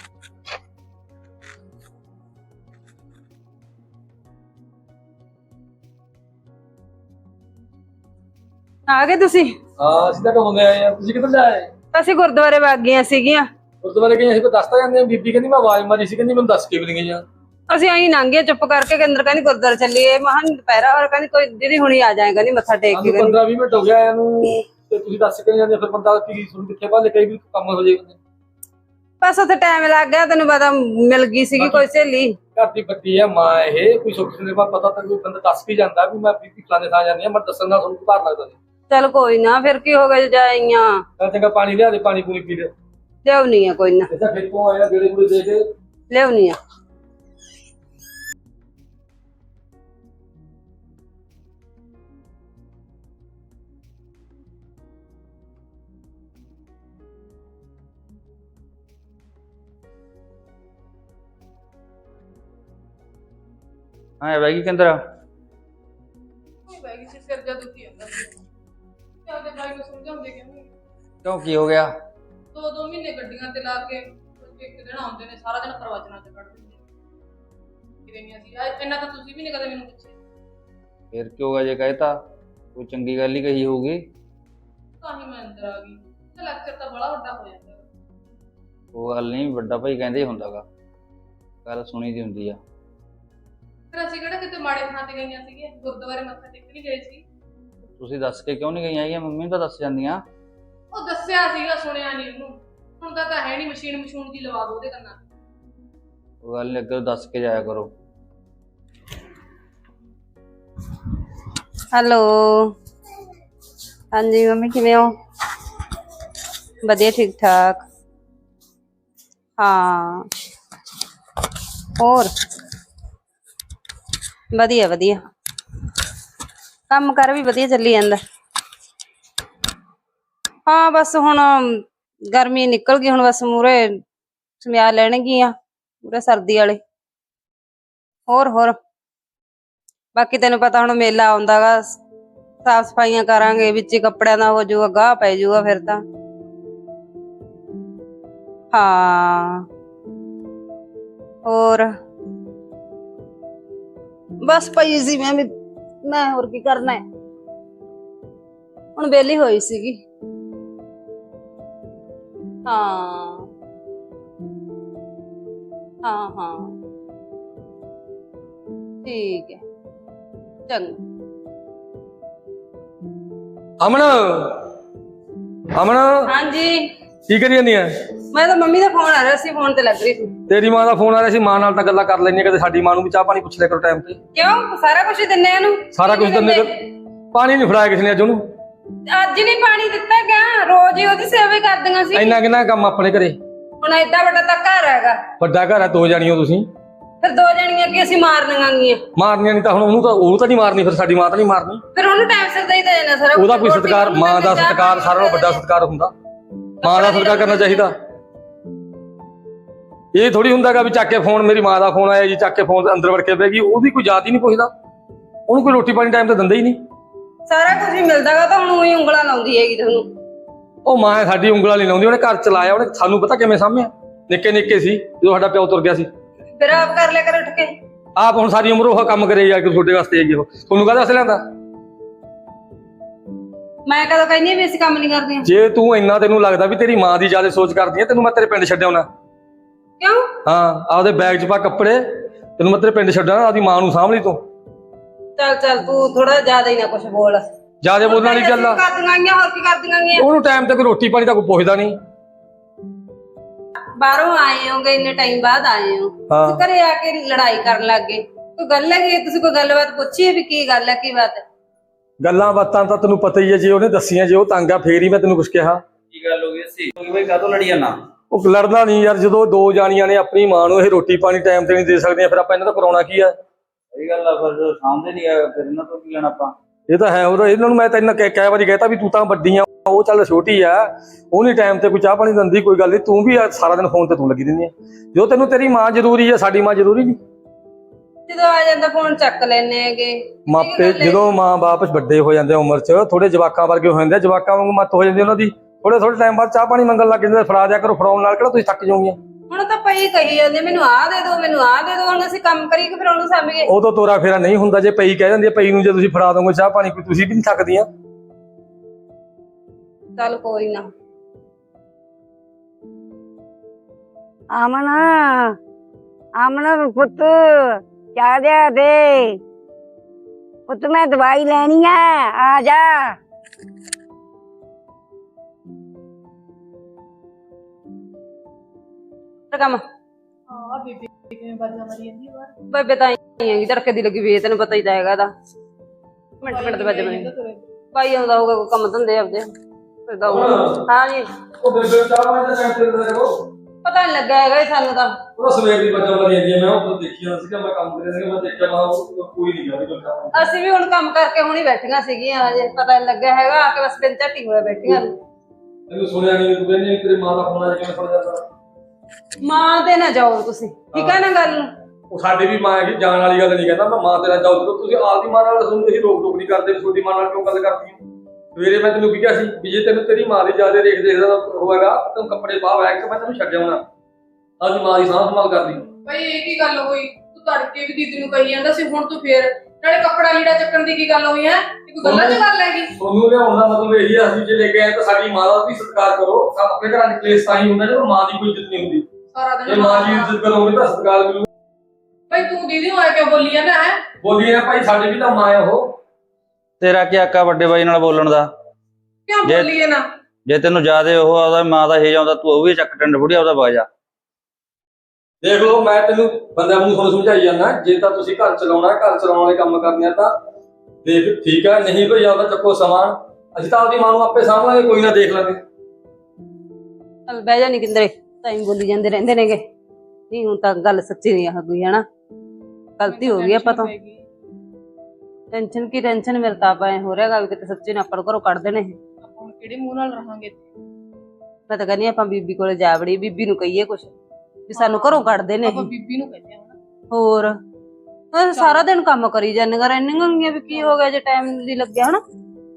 C: ਆ ਗਏ ਤੁਸੀਂ?
E: ਹਾਂ ਅਸੀਂ ਤਾਂ ਘੁੰਮਦੇ ਆਏ ਆ ਤੁਸੀਂ ਕਿੱਧਰ ਜਾਏ?
C: ਅਸੀਂ ਗੁਰਦੁਆਰੇ ਵਗ ਗਈਆਂ ਸੀਗੀਆਂ।
E: ਗੁਰਦੁਆਰੇ ਗਏ ਅਸੀਂ ਦੱਸਦਾ ਜਾਂਦੇ ਬੀਬੀ ਕਹਿੰਦੀ ਮੈਂ ਆਵਾਜ਼ ਮਾਰੀ ਸੀ ਕਹਿੰਦੀ ਮੈਨੂੰ ਦੱਸ ਕੇ ਵੀ ਨਹੀਂ ਗਈਆਂ।
C: ਅਸੀਂ ਆਈ ਲੰਘੇ ਚੁੱਪ ਕਰਕੇ ਕੇਂਦਰ ਕਹਿੰਦੀ ਗੁਰਦੁਆਰੇ ਚੱਲੀਏ ਮਹਾਂ ਦੁਪਹਿਰਾ ਔਰ ਕਹਿੰਦੀ ਕੋਈ ਦੀਦੀ ਹੁਣੀ ਆ ਜਾਏ ਕਹਿੰਦੀ ਮੱਥਾ ਟੇਕ ਕੇ।
E: ਪੰਦਰਾਂ ਵੀਹ ਮਿੰਟ ਹੋ ਗਿਆ ਇਹਨੂੰ ਤੇ ਤੁਸੀਂ ਦੱਸ ਕੇ ਜਾਂਦੇ ਫਿਰ ਬੰਦਾ ਕੀ ਸੁਣ ਕਿੱਥੇ ਭਾਲੇ ਕਈ ਵੀ ਕੰਮ ਹੋ ਜਾਏ।
C: ਬਸ ਉੱਥੇ ਟਾਈਮ ਲੱਗ ਗਿਆ ਤੈਨੂੰ ਪਤਾ ਮਿਲ ਗਈ ਸੀਗੀ ਕੋਈ ਸਹੇਲੀ।
E: ਘਰ ਦੀ ਬੱਤੀ ਹੈ ਮਾਂ ਇਹ ਕੋਈ ਸੁੱਖ ਸੁਣੇ ਪਤਾ ਤਾਂ ਕੋਈ ਬੰਦਾ ਦੱਸ ਕੇ ਜਾਂਦਾ ਵੀ ਮੈਂ ਬੀਬੀ ਫਲਾਣੇ ਥਾਂ ਜਾਂਦੀ ਆ ਮੈਂ ਦੱਸਣ ਨਾਲ ਤੁਹਾਨੂੰ ਭਾਰ ਲੱਗਦਾ ਸੀ।
C: ਚੱਲ ਕੋਈ ਨਾ ਫਿਰ ਕੀ ਹੋ ਗਿਆ ਜੇ ਜਾਈਆਂ।
E: ਮੈਂ ਚੰਗਾ ਪਾਣੀ ਲਿਆ ਦੇ ਪਾਣੀ ਪੂਣੀ ਪੀ ਲੈ।
C: ਲਿਆਉਣੀ ਆ ਕੋਈ ਨਾ
E: ਇਹਦਾ ਖੇਤੋਂ ਆਇਆ ਗੇੜੇ ਗੂੜੇ ਦੇ ਕੇ
C: ਲਿਆਉਣੀ ਆ।
D: ਹਾਂ ਬੈਗੀ ਕਿੰਦਰ
B: ਕੋਈ ਬੈਗ ਸੀ ਸਿਰ ਜਾ ਦੁਖੀ ਜਾਂਦਾ ਸੀ। ਤੇ ਆਪਦੇ ਭਾਈ ਨੂੰ ਸਮਝਾਉਂਦੇ ਕਿਉਂ?
D: ਕਿਉਂ ਕੀ ਹੋ ਗਿਆ?
B: ਦੋ ਦੋ ਮਹੀਨੇ ਗੱਡੀਆਂ ਤੇ ਲਾ ਕੇ ਇੱਕ ਦਿਨ ਆਉਂਦੇ ਨੇ ਸਾਰਾ ਦਿਨ ਪ੍ਰਵਚਨਾਂ ਤੇ ਕੱਢ ਦਿੰਦੇ ਕਿਵੇਂ ਸੀ ਇੰਨਾ ਤਾਂ ਤੁਸੀਂ ਵੀ ਨਹੀਂ ਕਦੇ ਮੈਨੂੰ ਪੁੱਛਿਆ।
D: ਫਿਰ ਕੀ ਹੋਗਾ ਜੇ ਕਹਿਤਾ ਕੋਈ ਚੰਗੀ ਗੱਲ ਹੀ ਕਹੀ ਹੋਊਗੀ।
B: ਤਾਂ ਹੀ ਮੈਂ ਅੰਦਰ ਆ ਗਈ ਤੇ ਲੈਕਚਰ ਤਾਂ ਬੜਾ ਵੱਡਾ ਹੋ ਜਾਂਦਾ।
D: ਉਹ ਗੱਲ ਨਹੀਂ ਵੱਡਾ ਭਾਈ ਕਹਿੰਦੇ ਹੀ ਹੁੰਦਾਗਾ ਗੱਲ ਸੁਣੀ ਦੀ ਹੁੰਦੀ ਆ।
B: ਫਿਰ ਅਸੀਂ ਕਿਹੜਾ ਕਿਤੇ ਮਾੜੇ ਥਾਂ ਤੇ ਗਈਆਂ ਸੀਗੀਆਂ ਗੁਰਦੁਆਰੇ ਮੱਥਾ ਟੇਕ ਨਹੀਂ ਗਏ ਸੀ।
D: ਤੁਸੀਂ ਦੱਸ ਕੇ ਕਿਉਂ ਨਹੀਂ ਗਈਆਂ ਹੈਗੀਆਂ ਮੰਮੀ ਨੂੰ ਤਾਂ ਦੱਸ ਜਾਂਦੀਆਂ।
B: ਉਹ ਦੱਸਿਆ ਸੀਗਾ ਸੁਣਿਆ ਨਹੀਂ ਉਹਨੂੰ ਹੁਣ ਤਾਂ ਤਾਂ ਹੈ ਨਹੀਂ ਮਸ਼ੀਨ ਮਸ਼ੂਨ ਦੀ ਲਵਾ ਦੋ ਉਹਦੇ ਕੰਨਾਂ।
D: ਉਹ ਗੱਲ ਨੀ ਅੱਗੇ ਦੱਸ ਕੇ ਜਾਇਆ ਕਰੋ।
C: ਹੈਲੋ ਹਾਂਜੀ ਮੰਮੀ ਕਿਵੇਂ ਹੋ? ਵਧੀਆ ਠੀਕ ਠਾਕ। ਹਾਂ ਹੋਰ ਵਧੀਆ ਵਧੀਆ, ਕੰਮ ਕਰ ਵੀ ਵਧੀਆ ਚੱਲੀ ਜਾਂਦਾ। ਹਾਂ ਬਸ ਹੁਣ ਗਰਮੀ ਨਿਕਲ ਗਈ, ਹੁਣ ਬਸ ਮੂਰੇ ਸਮਿਆ ਲੈਣਗੀਆਂ ਮੂਰੇ ਸਰਦੀ ਵਾਲੇ। ਹੋਰ ਹੋਰ ਬਾਕੀ ਤੈਨੂੰ ਪਤਾ ਹੁਣ ਮੇਲਾ ਆਉਂਦਾ ਗਾ, ਸਾਫ ਸਫਾਈਆਂ ਕਰਾਂਗੇ, ਵਿੱਚ ਹੀ ਕੱਪੜਿਆਂ ਦਾ ਹੋ ਜਾਊਗਾ, ਗਾਹ ਪੈ ਜਾਊਗਾ ਫਿਰ ਤਾਂ। ਹਾਂ ਹੋਰ ਬਸ ਪਈ ਸੀ ਮੈਂ ਵੀ, ਮੈਂ ਹੋਰ ਕੀ ਕਰਨਾ ਹੈ, ਹੁਣ ਵਿਹਲੀ ਹੋਈ ਸੀਗੀ। ਹਾਂ ਹਾਂ ਹਾਂ ਠੀਕ ਹੈ ਚੰਗਾ।
E: ਅਮਨ ਅਮਨ
C: ਹਾਂਜੀ
E: ਕੀ ਕਰੀ ਜਾਂਦੀ ਐ?
C: ਮੈਂ ਤਾਂ ਮੰਮੀ ਦਾ ਫੋਨ ਆ ਰਿਹਾ ਸੀ, ਫੋਨ ਤੇ ਲੱਗ ਰਹੀ ਸੀ।
E: ਤੇਰੀ ਮਾਂ ਦਾ ਫੋਨ ਆ ਰਿਹਾ ਸੀ, ਮਾਂ ਨਾਲ ਤਾਂ ਗੱਲਾਂ ਕਰ ਲੈਣੀ, ਕਦੇ ਸਾਡੀ ਮਾਂ ਨੂੰ ਵੀ ਚਾਹ ਪਾਣੀ ਪੁੱਛ ਲਿਆ ਕਰੋ ਟਾਈਮ ਤੇ।
C: ਕਿਉਂ ਸਾਰਾ ਕੁਝ ਦਿੰਨੇ ਇਹਨੂੰ?
E: ਸਾਰਾ ਕੁਝ ਦਿੰਦੇ, ਪਾਣੀ ਨਹੀਂ ਫੜਾਇਆ ਕਿਸੇ ਨੇ ਅੱਜ ਉਹਨੂੰ।
C: ਅੱਜ ਨਹੀਂ ਪਾਣੀ ਦਿੱਤਾ ਗਿਆ, ਰੋਜ਼ ਹੀ ਉਹਦੀ ਸੇਵਾ ਹੀ ਕਰਦੀਆਂ ਸੀ।
E: ਇੰਨਾ ਕਿੰਨਾ ਕੰਮ ਆਪਣੇ ਘਰੇ,
C: ਹੁਣ ਏਡਾ ਵੱਡਾ ਤਾਂ ਘਰ ਹੈਗਾ।
E: ਵੱਡਾ ਘਰ ਹੈ, ਦੋ ਜਾਣੀਆਂ ਤੁਸੀਂ,
C: ਫਿਰ ਦੋ ਜਣੀਆਂ ਕੀ ਅਸੀਂ ਮਾਰਨੀਆਂ ਗੀਆਂ?
E: ਮਾਰਨੀਆਂ ਨਹੀਂ ਤਾਂ ਹੁਣ ਉਹਨੂੰ ਤਾਂ ਉਹ ਤਾਂ ਨਹੀਂ ਮਾਰਨੀ, ਫਿਰ ਸਾਡੀ ਮਾਂ ਤਾਂ ਨਹੀਂ ਮਾਰਨੀ।
C: ਫਿਰ ਉਹਨੂੰ ਟਾਈਮ ਸਿਰ ਦੇਈ ਦੇਣਾ ਸਾਰਾ।
E: ਉਹਦਾ ਕੋਈ ਸਤਿਕਾਰ, ਮਾਂ ਦਾ ਸਤਿਕਾਰ ਸਾਰਿਆਂ ਨਾਲੋਂ ਵੱਡਾ ਸਤਿਕਾਰ ਹੁੰਦਾ, ਮਾਂ ਦਾ ਸਤਿਕਾਰ ਕਰਨਾ ਚਾਹੀਦਾ। ਇਹ ਥੋੜੀ ਹੁੰਦਾਗਾ ਵੀ ਚੱਕ ਕੇ ਫੋਨ, ਮੇਰੀ ਮਾਂ ਦਾ ਫੋਨ ਆਇਆ ਜੀ, ਚੱਕ ਕੇ ਫੋਨ ਅੰਦਰ ਵੜ ਕੇ ਬਹਿ ਗਈ, ਉਹਦੀ ਕੋਈ ਯਾਦ ਹੀ ਨਹੀਂ ਪੁੱਛਦਾ, ਉਹਨੂੰ ਕੋਈ ਰੋਟੀ ਪਾਣੀ ਟਾਈਮ ਤੇ ਦਿੰਦਾ ਹੀ ਨਹੀਂ।
C: ਸਾਰਾ ਕੁਝ ਹੀ ਮਿਲਦਾਗਾ ਤਾਂ ਹੁਣ ਉਹੀ ਉਂਗਲਾਂ ਲਾਉਂਦੀ ਹੈਗੀ ਤੁਹਾਨੂੰ।
E: ਉਹ ਮਾਂ ਸਾਡੀ ਉਂਗਲਾਂ ਨਹੀਂ ਲਾਉਂਦੀ, ਉਹਨੇ ਘਰ ਚਲਾਇਆ, ਉਹਨੇ ਸਾਨੂੰ ਪਤਾ ਕਿਵੇਂ ਸਾਂਭਿਆ, ਨਿੱਕੇ ਨਿੱਕੇ ਸੀ ਜਦੋਂ ਸਾਡਾ ਪਿਓ ਤੁਰ ਗਿਆ ਸੀ।
C: ਫਿਰ ਆਪ ਕਰ ਲਿਆ ਕਰ ਉੱਠ ਕੇ।
E: ਆਪ ਹੁਣ ਸਾਰੀ ਉਮਰ ਉਹ ਕੰਮ ਕਰੇ ਜਾ ਕੇ ਤੁਹਾਡੇ ਵਾਸਤੇ ਆਈਏ, ਉਹ ਤੁਹਾਨੂੰ ਕਾਹਦੇ ਵਾਸਤੇ ਲਿਆਂਦਾ?
C: ਮੈਂ ਕਦੋਂ ਕਹਿੰਦੀ ਵੀ ਅਸੀਂ ਕੰਮ ਨਹੀਂ ਕਰਦੀਆਂ?
E: ਜੇ ਤੂੰ ਇੰਨਾ ਤੈਨੂੰ ਲੱਗਦਾ ਵੀ ਤੇਰੀ ਮਾਂ ਦੀ ਜ਼ਿਆਦਾ ਸੋਚ ਕਰਦੀ ਹੈ, ਤੈਨੂੰ ਮੈਂ ਤੇਰੇ ਪਿੰਡ ਛੱਡਿਆ ਹੋਣਾ।
C: ਕਿਉਂ?
E: ਹਾਂ ਆਪਦੇ ਬੈਗ 'ਚ ਪਾ ਕੱਪੜੇ, ਤੈਨੂੰ ਮੈਂ ਤੇਰੇ ਪਿੰਡ ਛੱਡਿਆ, ਆਪਦੀ ਮਾਂ ਨੂੰ ਸਾਂਭ ਲਈ ਤੂੰ।
C: ਚੱਲ ਚੱਲ ਤੂੰ ਥੋੜਾ ਜ਼ਿਆਦਾ ਹੀ ਨਾ ਕੁਝ ਬੋਲ,
E: ਜ਼ਿਆਦਾ ਬੋਲਣ ਵਾਲੀ ਗੱਲ ਆ।
C: ਕਰਦੀਆਂ ਗੀਆਂ, ਹੋਰ ਕੀ ਕਰਦੀਆਂ ਗੀਆਂ?
E: ਉਹਨੂੰ ਟਾਈਮ ਤੇ ਕੋਈ ਰੋਟੀ ਪਾਣੀ ਤਾਂ ਕੋਈ ਪੁੱਛਦਾ ਨਹੀਂ।
C: ਬਾਹਰੋਂ ਆਏ ਹੋਗੇ, ਇੰਨੇ ਟਾਈਮ ਬਾਅਦ ਆਏ ਹੋ,
E: ਹਾਂ
C: ਘਰੇ ਆ ਕੇ ਲੜਾਈ ਕਰਨ ਲੱਗ ਗਏ। ਕੋਈ ਗੱਲ ਹੈਗੀ? ਤੁਸੀਂ ਕੋਈ ਗੱਲਬਾਤ ਪੁੱਛੀ ਵੀ ਕੀ ਗੱਲ ਹੈ, ਕੀ ਬਾਤ ਹੈ?
E: ਗੱਲਾਂ ਬਾਤਾਂ ਤਾਂ ਤੈਨੂੰ ਪਤਾ ਹੀ ਹੈ, ਜੇ ਉਹਨੇ ਦੱਸੀਆਂ, ਜੇ ਉਹ ਤੰਗ ਆ ਫੇਰ ਹੀ ਮੈਂ ਤੈਨੂੰ ਕੁਛ ਕਿਹਾ।
D: ਕੀ ਗੱਲ ਹੋ ਗਈ ਸੀ ਬਈ, ਕਾਹਤੋਂ ਲੜੀ ਜਾਣਾ?
E: ਉਹ ਲੜਨਾ ਨਹੀਂ ਯਾਰ, ਜਦੋਂ ਦੋ ਜਾਣੀਆਂ ਨੇ ਆਪਣੀ ਮਾਂ ਨੂੰ ਇਹ ਰੋਟੀ ਪਾਣੀ ਟਾਈਮ ਤੇ ਨਹੀਂ ਦੇ ਸਕਦੀਆਂ, ਫਿਰ ਆਪਾਂ ਇਹਨਾਂ ਤੋਂ ਕਰਾਉਣਾ ਕੀ ਆ?
D: ਸਹੀ ਗੱਲ ਆ, ਫਿਰ ਸਾਹਮਣੇ ਨਹੀਂ ਆਇਆ, ਫਿਰ ਇਹਨਾਂ ਤੋਂ ਕੀ ਲੈਣਾ ਆਪਾਂ?
E: ਇਹ ਤਾਂ ਹੈ, ਉਹ ਇਹਨਾਂ ਨੂੰ ਮੈਂ ਤਾਂ ਇਹਨਾਂ ਕਈ ਵਾਰੀ ਕਹਿਤਾ ਵੀ ਤੂੰ ਤਾਂ ਵੱਡੀ ਆ, ਉਹ ਚੱਲ ਛੋਟੀ ਆ, ਉਹ ਨਹੀਂ ਟਾਈਮ ਤੇ ਕੋਈ ਚਾਹ ਪਾਣੀ ਦਿੰਦੀ, ਕੋਈ ਗੱਲ ਨਹੀਂ, ਤੂੰ ਵੀ ਸਾਰਾ ਦਿਨ ਫੋਨ ਤੇ ਤੂੰ ਲੱਗੀ ਰਹਿੰਦੀ ਆ। ਜੋ ਤੈਨੂੰ ਤੇਰੀ ਮਾਂ ਜ਼ਰੂਰੀ ਆ, ਸਾਡੀ ਮਾਂ ਜ਼ਰੂਰੀ ਨਹੀਂ?
C: ਜਦੋਂ ਆ ਜਾਂਦਾ ਫੋਨ ਚੱਕ ਲੈਣੇ ਹੈਗੇ
E: ਮਾਪੇ। ਜਦੋਂ ਮਾਂ ਬਾਪ ਵੱਡੇ ਹੋ ਜਾਂਦੇ ਉਮਰ 'ਚ, ਥੋੜੇ ਜਵਾਕਾਂ ਵਰਗੇ ਹੋ ਜਾਂਦੇ, ਜਵਾਕਾਂ ਵਾਂਗੂ ਮੱਤ ਹੋ ਜਾਂਦੀ ਉਹਨਾਂ ਦੀ, ਥੋੜੇ ਥੋੜੇ ਟਾਈਮ ਬਾਅਦ ਚਾਹ ਪਾਣੀ ਮੰਗਣ ਲੱਗ ਜਾਂਦੇ। ਫੜਾ ਦਿਆ ਕਰੋ, ਫੜਾਉਣ ਨਾਲ ਕਿਹੜਾ ਤੁਸੀਂ ਥੱਕ ਜਾਓਗੇ?
C: ਹੁਣ ਤਾਂ ਪਈ ਕਹੀ ਜਾਂਦੇ ਮੈਨੂੰ ਆਹ ਦੇ ਦਿਓ, ਮੈਨੂੰ ਆਹ ਦੇ ਦਿਓ, ਹੁਣ ਅਸੀਂ ਕੰਮ ਕਰੀਏ ਕਿ ਫਿਰ ਉਹਨੂੰ ਸਾਂਭੀਏ?
E: ਉਦੋਂ ਤੋਰਾ ਫੇਰਾ ਨਹੀਂ ਹੁੰਦਾ, ਜੇ ਪਈ ਕਹਿ ਜਾਂਦੀ ਹੈ, ਪਈ ਨੂੰ ਜੇ ਤੁਸੀਂ ਫੜਾ ਦੋਗੇ ਚਾਹ ਪਾਣੀ, ਕੋਈ ਤੁਸੀਂ ਵੀ ਨਹੀਂ ਥੱਕਦੀਆਂ।
C: ਚੱਲ ਕੋਈ ਨਾ।
A: ਅਮਨ ਅਮਨ ਪੁੱਤ ਚਾਹ ਦੇ ਦੇ ਪੁੱਤ, ਮੈਂ ਦਵਾਈ ਲੈਣੀ ਆ, ਆ ਜਾ।
C: ਕੰਮ
B: ਹਾਂ ਬੀਬੀ ਕਿਵੇਂ ਬਾਜਾਂ ਮਾਰੀ ਜਾਂਦੀ ਬਾਹਰ?
C: ਬੇਬੇ ਤਾਂ ਹੀ ਹੈਗੀ, ਧੜਕੇ ਦੀ ਲੱਗੀ ਵੀ, ਤੈਨੂੰ ਪਤਾ ਹੀ ਤਾਂ ਹੈਗਾ ਇਹਦਾ। ਮਿੰਟ ਮਿੰਟ ਦੇ ਵੱਜ ਬਣੇ ਭਾਈ ਆਉਂਦਾ ਹੋਊਗਾ, ਕੋਈ ਕੰਮ ਧੰਦੇ ਆਪਦੇ ਫਿਰਦਾ ਹੋਊਗਾ। ਹਾਂ ਜੀ,
E: ਉਹ ਬੇਬੇ ਚਾਹ ਪਾਣੀ ਦਾ ਟਾਈਮ ਤੇ ਦਿੰਦਾ ਕਰੋ।
C: ਪਤਾ ਨਹੀਂ ਲੱਗਾ ਹੈਗਾ ਸਾਨੂੰ ਤਾਂ।
E: ਉਹ ਸਵੇਰ ਦੀ ਬੱਚਾ ਮਾਰੀ ਜਾਂਦੀ ਹੈ, ਮੈਂ ਉਹ ਦੇਖੀ ਜਾਂਦਾ ਸੀਗਾ, ਮੈਂ ਕੰਮ ਕਰਿਆ ਸੀਗਾ, ਮੈਂ ਦੇਖਿਆ ਮੈਂ ਕੋਈ ਨਹੀਂ ਗਿਆ ਕੋਈ ਕੰਮ।
C: ਅਸੀਂ ਵੀ ਹੁਣ ਕੰਮ ਕਰਕੇ ਹੁਣੀ ਬੈਠੀਆਂ ਸੀਗੀਆਂ, ਹਜੇ ਪਤਾ ਨੀ ਲੱਗਿਆ ਹੈਗਾ, ਆ ਕੇ ਬਸ ਬਿਨ ਝੱਟੀ ਹੋਏ ਬੈਠੀਆਂ।
E: ਤੈਨੂੰ ਸੁਣਿਆ ਨਹੀਂ, ਤੂੰ ਕਹਿੰਦੀ ਤੇਰੀ ਮਾਂ ਦਾ ਫੋਨ ਆ ਕਿਵੇਂ ਫੜ ਜਾਂਦਾ?
C: ਮਾਂ ਤੇ ਨਾ ਜਾਓ ਤੁਸੀਂ, ਠੀਕ ਹੈ ਨਾ ਗੱਲ ਨੂੰ?
E: ਉਹ ਸਾਡੀ ਵੀ ਮਾਂ ਹੈਗੀ, ਜਾਣ ਵਾਲੀ ਗੱਲ ਨਹੀਂ ਕਹਿੰਦਾ ਮੈਂ, ਮਾਂ ਤੇਰਾ ਜਾਓ। ਜਦੋਂ ਤੁਸੀਂ ਆਪਦੀ ਮਾਂ ਨਾਲ ਸੁਣਦੇ ਸੀ, ਰੋਕ ਟੋਕ ਨਹੀਂ ਕਰਦੇ, ਤੁਹਾਡੀ ਮਾਂ ਨਾਲ ਕਿਉਂ ਗੱਲ ਕਰਦੀ ਹੋ? ਸਵੇਰੇ ਮੈਂ ਤੈਨੂੰ ਕੀ ਕਿਹਾ ਸੀ ਵੀ ਜੇ ਤੈਨੂੰ ਤੇਰੀ ਮਾਂ ਦੀ ਜ਼ਿਆਦਾ ਦੇਖ ਦੇਖਦਾ ਹੋਵੇਗਾ, ਤੈਨੂੰ ਕੱਪੜੇ ਪਾ ਬੈਗ 'ਚ, ਮੈਂ ਤੈਨੂੰ ਛੱਡਿਆ ਹੋਣਾ, ਆਪਦੀ ਮਾਂ ਦੀ ਸਾਂਭ ਸੰਭਾਲ ਕਰਦੀ।
B: ਬਈ ਇਹ ਕੀ ਗੱਲ ਹੋਈ? ਤੂੰ ਤੜਕੇ ਵੀ ਦੀਦੀ ਨੂੰ ਕਹੀ ਜਾਂਦਾ ਸੀ, ਹੁਣ ਤੂੰ ਫੇਰ ਨਾਲੇ ਕੱਪੜਾ ਲੀੜਾ ਚੱਕਣ ਦੀ ਕੀ ਗੱਲ ਹੋਈ ਹੈ? ਕੋਈ ਗੱਲਾਂ 'ਚ ਗੱਲ ਹੈਗੀ?
E: ਤੁਹਾਨੂੰ ਲਿਆਉਣ ਦਾ ਮਤਲਬ ਇਹੀ ਆ, ਅਸੀਂ ਜੇ ਲੈ ਕੇ ਆਏ ਤਾਂ ਸਾਡੀ ਮਾਂ ਦਾ ਵੀ ਸਤਿਕਾਰ ਕਰੋ। ਆਪਣੇ ਘਰਾਂ 'ਚ ਕਲੇਸ਼ ਤਾਂ ਹੀ ਹੁੰਦਾ ਜਦੋਂ ਮਾਂ ਦੀ ਕੋਈ ਇੱਜ਼ਤ ਨਹੀਂ ਹੁੰਦੀ।
B: ਸਾਰਾ
E: ਜੇ
B: ਦਿਨ
E: ਮਾਂ ਦੀ ਇੱਜ਼ਤ ਕਰੋਗੇ ਤਾਂ ਸਤਿਕਾਰ ਮਿਲੂ।
B: ਬਈ ਤੂੰ ਦੀਦੀ ਨੂੰ ਆ ਕੇ ਬੋਲੀ ਜਾਂਦਾ ਹੈ?
E: ਬੋਲੀ ਨਾ ਭਾਈ, ਸਾਡੀ ਵੀ ਤਾਂ ਮਾਂ ਆ ਉਹ।
D: ਤੇਰਾ ਕੀ ਆਕਾ ਵੱਡੇ ਬਾਈ ਨਾਲ ਬੋਲਣ ਦਾ?
B: ਕਿਉਂ
D: ਜੇ-
B: ਬੋਲੀਏ ਨਾ?
D: ਜੇ ਤੈਨੂੰ ਜ਼ਿਆਦੇ ਉਹ ਉਹਦਾ ਮਾਂ ਦਾ ਹੇਜ ਆਉਂਦਾ, ਤੂੰ ਉਹ ਵੀ ਚੱਕ ਟੰਡ ਬੁੜੀਆ ਉਹਦਾ ਬਾਜਾ।
E: ਦੇਖ ਲਓ, ਮੈਂ ਤੈਨੂੰ ਬੰਦਿਆਂ ਨੂੰ ਤੁਹਾਨੂੰ ਸਮਝਾਈ ਜਾਂਦਾ, ਜੇ ਤਾਂ ਤੁਸੀਂ ਘਰ ਚਲਾਉਣਾ, ਘਰ ਚਲਾਉਣ ਵਾਲੇ ਕੰਮ ਕਰਨੇ ਆ ਤਾਂ ਦੇਖ ਠੀਕ ਆ, ਨਹੀਂ ਕੋਈ ਆਉਂਦਾ ਚੱਕੋ ਸਮਾਨ, ਅਸੀਂ ਤਾਂ ਆਪਦੀ ਮਾਂ ਨੂੰ ਆਪੇ ਸਾਂਭ ਲਾਂਗੇ, ਕੋਈ ਨਾ ਦੇਖ ਲਾਂਗੇ।
C: ਚੱਲ ਬਹਿ ਜਾ ਨੀ ਕਿੰਦਰੇ, ਟਾਈਮ ਬੋਲੀ ਜਾਂਦੇ ਰਹਿੰਦੇ ਨੇਗੇ। ਨਹੀਂ ਹੁਣ ਤਾਂ ਗੱਲ ਸੱਚੀ ਨਹੀਂ ਆ ਕੋਈ, ਹਨਾ ਗਲਤੀ ਹੋ ਗਈ ਆਪਾਂ ਤੋਂ। ਟੈਨਸ਼ਨ ਕੀ ਟੈਨਸ਼ਨ, ਮੇਰੇ ਤਾਂ ਆਪਾਂ ਐ ਹੋ ਰਿਹਾਗਾ ਵੀ ਕਿਤੇ ਸੱਚੀ ਨਾ ਆਪਾਂ ਨੂੰ ਘਰੋਂ ਕੱਢ ਦੇਣੇ।
B: ਆਪਾਂ ਹੁਣ ਕਿਹੜੇ ਮੂੰਹ ਨਾਲ ਰਹਾਂਗੇ ਇੱਥੇ?
C: ਮੈਂ ਤਾਂ ਕਹਿੰਦੀ ਆਪਾਂ ਬੀਬੀ ਕੋਲੇ ਜਾ ਵੜੀ, ਬੀਬੀ ਨੂੰ ਕਹੀਏ ਕੁਛ ਵੀ ਸਾਨੂੰ ਘਰੋਂ ਕੱਢਦੇ ਨੇ।
B: ਆਪਾਂ ਬੀਬੀ ਨੂੰ ਕਹਿੰਦੇ ਆ ਹਨਾ।
C: ਹੋਰ ਉਹ ਸਾਰਾ ਦਿਨ ਕੰਮ ਕਰੀ ਜਾਂਦੀਆਂ ਰਹਿੰਦੀਆਂ ਵੀ ਕੀ ਹੋ ਗਿਆ ਜੇ ਟਾਈਮ ਨਹੀਂ ਲੱਗਿਆ ਹਨਾ।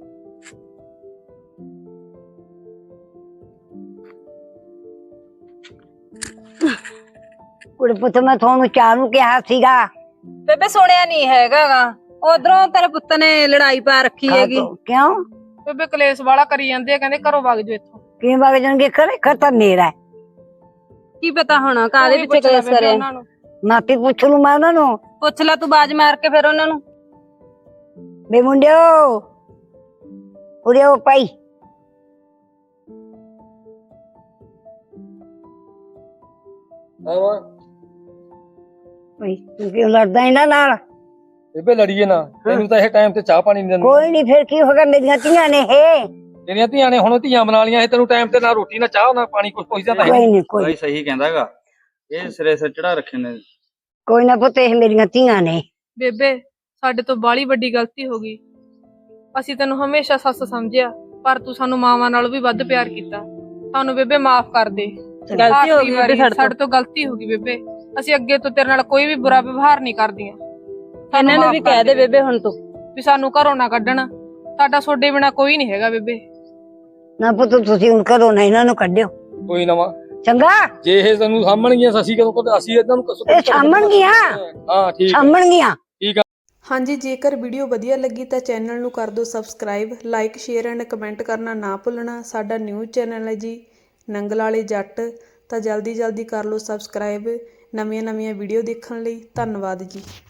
A: ਕੁੜੇ ਪੁੱਤ ਮੈਂ ਤੁਹਾਨੂੰ ਚਾਹ ਨੂੰ ਕਿਹਾ ਸੀਗਾ।
C: ਬੇਬੇ ਸੁਣਿਆ ਨਹੀਂ ਹੈਗਾਗਾ, ਉਧਰੋਂ ਤੇਰੇ ਪੁੱਤ ਨੇ ਲੜਾਈ ਪਾ ਰੱਖੀ ਹੈਗੀ।
A: ਕਿਉਂ?
B: ਬੇਬੇ ਕਲੇਸ਼ ਵਾਲਾ ਕਰੀ ਜਾਂਦੇ ਆ, ਕਹਿੰਦੇ ਘਰੋਂ ਵਗ ਜਾਓ ਇੱਥੋਂ।
A: ਕਿਵੇਂ ਵਗ ਜਾਣਗੇ? ਘਰੇ ਘਰ ਤਾਂ ਮੇਰਾ ਹੈ।
C: ਕੀ ਪਤਾ ਹੁਣ ਕਾਹਦੇ ਪਿੱਛੇ ਕਲੇਸ਼ ਕਰਿਆ।
A: ਮਾਪੀ ਪੁੱਛ ਲੂ ਮੈਂ ਉਹਨਾਂ ਨੂੰ।
C: ਪੁੱਛ ਲੈ ਤੂੰ ਬਾਜ ਮਾਰ ਕੇ ਫਿਰ ਉਹਨਾਂ ਨੂੰ।
A: ਬੇ ਮੁੰਡਿਓ ਉਰੇ ਆਓ ਭਾਈ।
E: ਆਵਾ
A: ਭਾਈ ਤੂੰ ਕਿਉਂ ਲੜਦਾ ਇਹਨਾਂ ਨਾਲ?
E: ਬੇਬੇ ਲੜੀਏ ਨਾ, ਤੈਨੂੰ ਤਾਂ ਇਹ ਟਾਈਮ ਤੇ ਚਾਹ ਪਾਣੀ ਨਹੀਂ ਦਿੰਦੇ।
A: ਕੋਈ ਨਹੀਂ, ਫਿਰ ਕੀ ਹੋ ਗਿਆ? ਮੇਰੀਆਂ ਧੀਆਂ ਨੇ ਇਹ।
E: ਤੇਰੀਆਂ ਧੀਆਂ ਨੇ ਹੁਣ ਧੀਆਂ ਬਣਾ ਲੀਆਂ, ਇਹ ਤੈਨੂੰ ਟਾਈਮ ਤੇ ਨਾ ਰੋਟੀ ਨਾ ਚਾਹ ਨਾ ਪਾਣੀ ਕੁਝ ਪੁੱਛਦਾ ਤਾਂ ਹੈ
A: ਕੋਈ ਨਹੀਂ ਕੋਈ
D: ਭਾਈ ਸਹੀ ਕਹਿੰਦਾਗਾ, ਇਹ ਸਿਰੇ ਸਿਰ ਚੜਾ ਰੱਖੇ ਨੇ।
A: ਕੋਈ ਨਾ ਪੁੱਤ, ਇਹ ਮੇਰੀਆਂ ਧੀਆਂ ਨੇ।
B: ਬੇਬੇ ਸਾਡੇ ਤੋਂ ਬਾਹਲੀ ਵੱਡੀ ਗਲਤੀ ਹੋ ਗਈ। ਅਸੀਂ ਤੈਨੂੰ ਹਮੇਸ਼ਾ ਸੱਸ ਸਮਝਿਆ, ਪਰ ਤੂੰ ਸਾਨੂੰ ਮਾਵਾਂ ਨਾਲੋਂ ਵੀ ਵੱਧ ਪਿਆਰ ਕੀਤਾ। ਸਾਨੂੰ ਬੇਬੇ ਮਾਫ ਕਰ ਦੇ।
C: ਗਲਤੀ ਹੋ ਗਈ ਬੇਬੇ ਸਾਡੇ
B: ਸਾਡੇ ਤੋਂ ਗਲਤੀ ਹੋ ਗਈ ਬੇਬੇ। ਅਸੀਂ ਅੱਗੇ ਤੋਂ ਤੇਰੇ ਨਾਲ ਕੋਈ ਵੀ ਬੁਰਾ ਵਿਵਹਾਰ ਨਹੀਂ ਕਰਦੀਆਂ।
C: ਇਹਨਾਂ ਨੂੰ ਵੀ ਕਹਿ ਦੇ ਬੇਬੇ ਹੁਣ ਤੂੰ
B: ਵੀ ਸਾਨੂੰ ਘਰੋਂ ਨਾ ਕੱਢਣ। ਸਾਡਾ ਸੋਡੇ ਬਿਨਾ ਕੋਈ ਨਹੀਂ ਹੈਗਾ ਬੇਬੇ।
A: ਨਾ ਪੁੱਤ ਤੁਸੀਂ ਹੁਣ ਘਰੋਂ ਨਾ ਇਹਨਾਂ ਨੂੰ ਕੱਢਿਓ।
E: ਕੋਈ ਨਾ ਮਾਂ,
A: ਚੰਗਾ?
E: ਜੇ ਇਹ ਤੈਨੂੰ ਸਾਂਭਣਗੀਆਂ ਅਸੀਂ ਕਦੋਂ ਕਦੇ ਅਸੀਂ ਇਹਨਾਂ ਨੂੰ ਕਸੋ
A: ਇਹ ਸਾਂਭਣਗੀਆਂ।
E: ਹਾਂ ਠੀਕ ਹੈ,
A: ਸਾਂਭਣਗੀਆਂ।
E: ਠੀਕ ਆ।
F: ਹਾਂਜੀ, ਜੇਕਰ ਵੀਡੀਓ ਵਧੀਆ ਲੱਗੀ ਤਾਂ ਚੈਨਲ ਨੂੰ ਕਰ ਦਿਓ subscribe, like share and comment ਕਰਨਾ ਨਾ ਭੁੱਲਣਾ। ਸਾਡਾ ਨਿਊਜ਼ ਚੈਨਲ ਹੈ ਜੀ ਨੰਗਲ ਵਾਲੇ ਜੱਟ, ਤਾਂ ਜਲਦੀ ਜਲਦੀ ਕਰ ਲਓ ਸਬਸਕ੍ਰਾਈਬ ਨਵੀਆਂ ਨਵੀਆਂ ਵੀਡੀਓ ਦੇਖਣ ਲਈ। ਧੰਨਵਾਦ ਜੀ।